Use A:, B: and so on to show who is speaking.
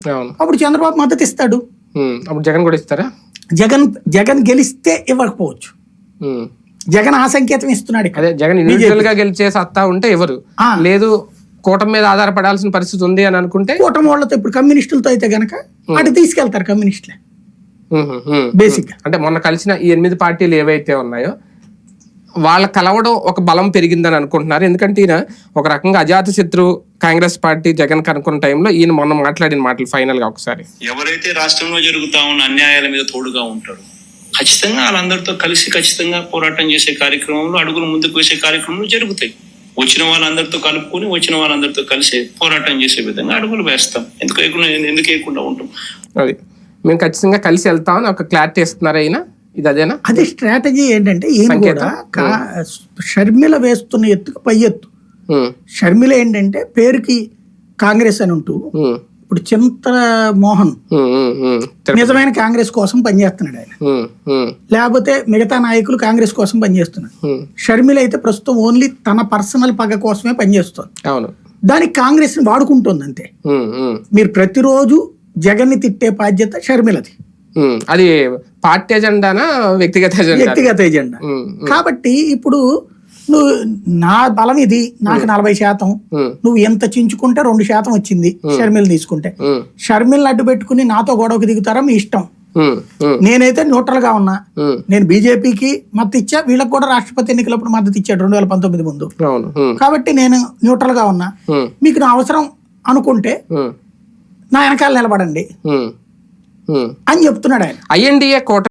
A: అప్పుడు చంద్రబాబు మద్దతు ఇస్తాడు.
B: అప్పుడు జగన్ కూడా ఇస్తారా?
A: జగన్ గెలిస్తే ఇవ్వకపోవచ్చు. జగన్ ఆ సంకేతం ఇస్తున్నాడు.
B: అదే జగన్ ఇండివిజువల్ గా గెలిచే సత్తా ఉంటే ఎవరు లేదు, కూటమి మీద ఆధారపడాల్సిన పరిస్థితి ఉంది అని అనుకుంటే
A: కూటమి వాళ్ళతో ఇప్పుడు కమ్యూనిస్టులతో అయితే గనక అటు తీసుకెళ్తారు కమ్యూనిస్టులే బేసిక్.
B: అంటే మొన్న కలిసిన ఈ 8 పార్టీలు ఏవైతే ఉన్నాయో వాళ్ళ కలవడం ఒక బలం పెరిగిందని అనుకుంటున్నారు. ఎందుకంటే ఈయన ఒక రకంగా అజాత శత్రువు కాంగ్రెస్ పార్టీ జగన్ కనుక్కున్న టైంలో ఈయన మొన్న మాట్లాడిన మాటలు ఫైనల్ గా ఒకసారి,
C: ఎవరైతే రాష్ట్రంలో జరుగుతా ఉన్న అన్యాయాల మీద తోడుగా ఉంటారు ఖచ్చితంగా వాళ్ళందరితో కలిసి ఖచ్చితంగా పోరాటం చేసే కార్యక్రమంలో, అడుగులు ముందుకు వేసే కార్యక్రమాలు జరుగుతాయి. వచ్చిన వాళ్ళందరితో కలుపుకొని వచ్చిన వాళ్ళందరితో కలిసి పోరాటం చేసే విధంగా అడుగులు వేస్తాం. ఎందుకు వేయకుండా ఉంటాం.
B: అది మేము ఖచ్చితంగా కలిసి వెళ్తామని ఒక క్లారిటీ ఇస్తున్నారు అయినా ఇది అదేనా?
A: అదే స్ట్రాటజీ ఏంటంటే ఈయన కూడా షర్మిల వేస్తున్న ఎత్తుకు పై ఎత్తు. షర్మిల ఏంటంటే పేరుకి కాంగ్రెస్ అని ఉంటూ ఇప్పుడు చింతల మోహన్ నిజమైన కాంగ్రెస్ కోసం పనిచేస్తున్నాడు ఆయన, లేకపోతే మిగతా నాయకులు కాంగ్రెస్ కోసం పనిచేస్తున్నారు. షర్మిల అయితే ప్రస్తుతం ఓన్లీ తన పర్సనల్ పగ కోసమే పనిచేస్తుంది. దానికి కాంగ్రెస్ ని వాడుకుంటుంది అంతే. మీరు ప్రతిరోజు జగన్ ని తిట్టే బాధ్యత షర్మిలది.
B: అది పార్టీ ఎజెండానా వ్యక్తిగత
A: ఎజెండా. కాబట్టి ఇప్పుడు నువ్వు నా బలం ఇది, నాకు 40%, నువ్వు ఎంత చించుకుంటే 2% వచ్చింది షర్మిల తీసుకుంటే. షర్మిల్ని అడ్డు పెట్టుకుని నాతో గొడవకు దిగుతారా మీ ఇష్టం. నేనైతే న్యూట్రల్ గా ఉన్నా. నేను బీజేపీకి మద్దతు ఇచ్చా, వీళ్ళకి కూడా రాష్ట్రపతి ఎన్నికలప్పుడు మద్దతు ఇచ్చాడు 2019 ముందు. కాబట్టి నేను న్యూట్రల్ గా ఉన్నా. మీకు నా అవసరం అనుకుంటే నా వెనకాల నిలబడండి అని చెప్తున్నాడు ఆయన.
B: INDA